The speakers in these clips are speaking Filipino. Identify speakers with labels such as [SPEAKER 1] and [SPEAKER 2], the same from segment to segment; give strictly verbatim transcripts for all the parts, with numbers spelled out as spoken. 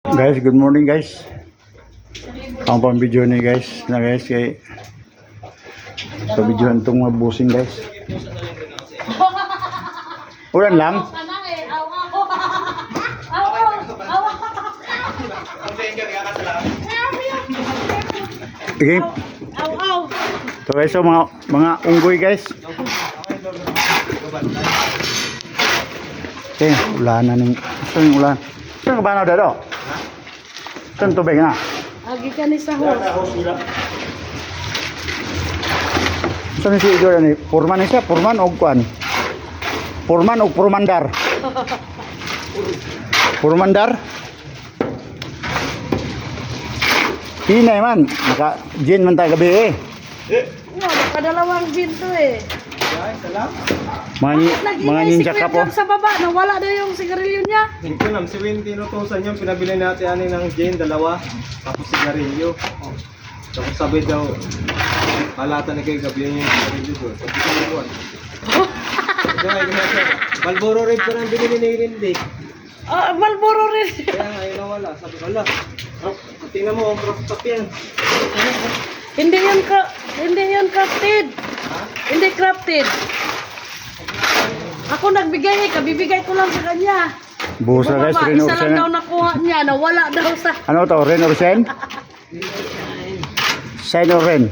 [SPEAKER 1] Guys, good morning guys. Ang pang video ni guys na guys kay sa video itong mga busing guys. Ulan lang. Okay. So guys, so mga mga unggoy guys. Okay, ulan na ning. Saan yung ulan? Saan ka ba na dado? Saan tubig na?
[SPEAKER 2] Agi ka ni sa hos.
[SPEAKER 1] Saan si Igor ni? Purman siya, purman o kuan? Purman o purmandar? Purmandar? Pinay man, naka gin man tayo gabi eh.
[SPEAKER 2] No, nakadalawang gin to eh.
[SPEAKER 1] Mga, mga ninja ka po.
[SPEAKER 2] Sa baba, nawala na yung sigarilyo niya.
[SPEAKER 3] Ito nam, seventeen thousand yung pinabili natin ani ng gin, dalawa. Tapos sigarilyo. Tapos sabi daw, halata na kayo gabi yung sigarilyo doon. Sabi ko naman. Kaya nga, Malboro Red pa nang binili ni Rindy.
[SPEAKER 2] Ah, Malboro rin.
[SPEAKER 3] Kaya nga, yun nawala. Sabi ko, ala, tingnan mo, ang crop yan.
[SPEAKER 2] Hindi yun ka, hindi yun crafted. Hindi crafted. Ako nagbigay eh, kabibigay ko lang sa kanya.
[SPEAKER 1] Buhos na guys,
[SPEAKER 2] Bumaba,
[SPEAKER 1] Ren
[SPEAKER 2] isa lang daw
[SPEAKER 1] Orsen.
[SPEAKER 2] nakuha niya, nawala daw sa...
[SPEAKER 1] Ano to, Ren Orsen? Sign or Ren?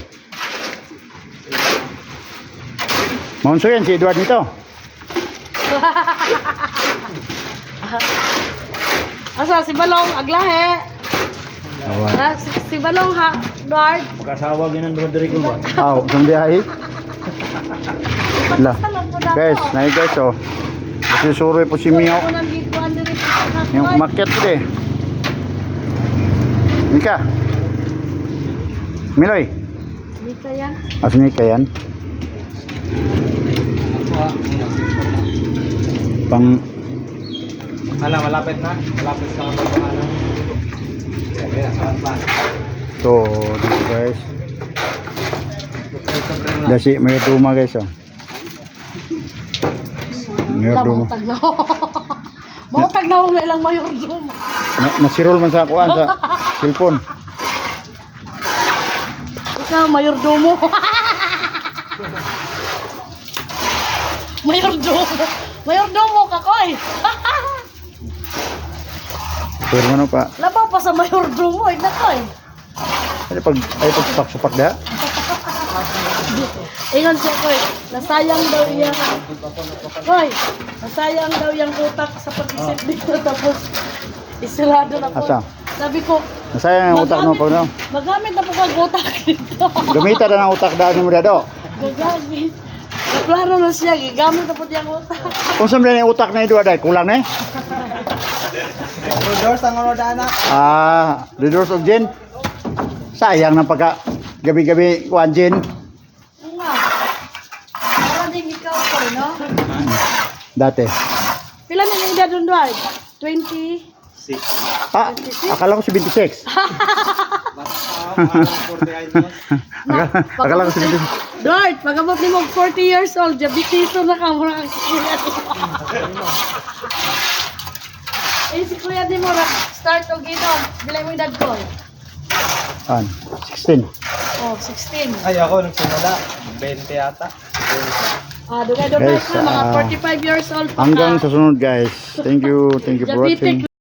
[SPEAKER 1] Monso yan, si Edward nito.
[SPEAKER 2] Asa, si Balong, aglahe.
[SPEAKER 1] Awan.
[SPEAKER 2] Ah, si, si Balong ha, Edward.
[SPEAKER 3] Magkasawag yun ang Rodrigo ba?
[SPEAKER 1] Aw, isang biyahe. La. Guys, naik guys oh. Kasi suroy po si Mio. Yung market ko eh. Mika. Miloy.
[SPEAKER 2] Mika yan.
[SPEAKER 1] Asa Mika yan? Pang
[SPEAKER 3] Ala, malapit na. Malapit sa mga pangalan. Kaya, kaya, saan pa?
[SPEAKER 1] to dito guys. Dasi may tuma guys oh. Mayordom.
[SPEAKER 2] Mautag na ako. Mautag na ako na ilang mayordom.
[SPEAKER 1] Na, nasirol man sa kuan sa cellphone.
[SPEAKER 2] Ikaw, mayordomo. Mayordomo. Mayordomo ka, koy.
[SPEAKER 1] Pero ano pa?
[SPEAKER 2] Labaw pa sa mayordomo, eh, na, koy.
[SPEAKER 1] Ay pag ay pag supak-supak da.
[SPEAKER 2] Ingon siya, koy. Nasayang daw iya. Koy, nasayang daw yung utak sa pag-isip dito. Tapos, isilado na ko.
[SPEAKER 1] Asa?
[SPEAKER 2] Sabi ko,
[SPEAKER 1] Nasayang ang utak mo pag no.
[SPEAKER 2] magamit na po kag-utak dito.
[SPEAKER 1] Gamitan na ng utak daan mo dado.
[SPEAKER 2] Gagamit. Naplano na siya, gigamit na po yung utak.
[SPEAKER 1] Kung saan na yung utak na ito aday, kulang na eh.
[SPEAKER 3] Rodors ang ano daan na.
[SPEAKER 1] Ah, the doors of gin. Sayang ng pagka gabi-gabi kuan gin.
[SPEAKER 2] Oo nga. Para din ikaw ko, no?
[SPEAKER 1] Dati.
[SPEAKER 2] Pila na yung edad doon, Dwight? twenty?
[SPEAKER 3] Six.
[SPEAKER 1] Ah, akala ko si twenty-six. akala, akala ko si twenty-six.
[SPEAKER 2] Dwight, pag-abot ni mo forty years old, diabetiso na ka, mura kang si Kuya di mo. Eh, si Kuya di mo, start o ginom. Bilay mo yung edad ko.
[SPEAKER 1] An, sixteen.
[SPEAKER 2] Oh, sixteen.
[SPEAKER 3] Ay, ako nagsimula. twenty yata.
[SPEAKER 2] Ah, doon doon
[SPEAKER 1] Guys,
[SPEAKER 2] na, mga
[SPEAKER 1] ah,
[SPEAKER 2] forty-five years old pa
[SPEAKER 1] Hanggang
[SPEAKER 2] ka.
[SPEAKER 1] sa sunod guys. Thank you, thank you for
[SPEAKER 2] Diabetic
[SPEAKER 1] watching.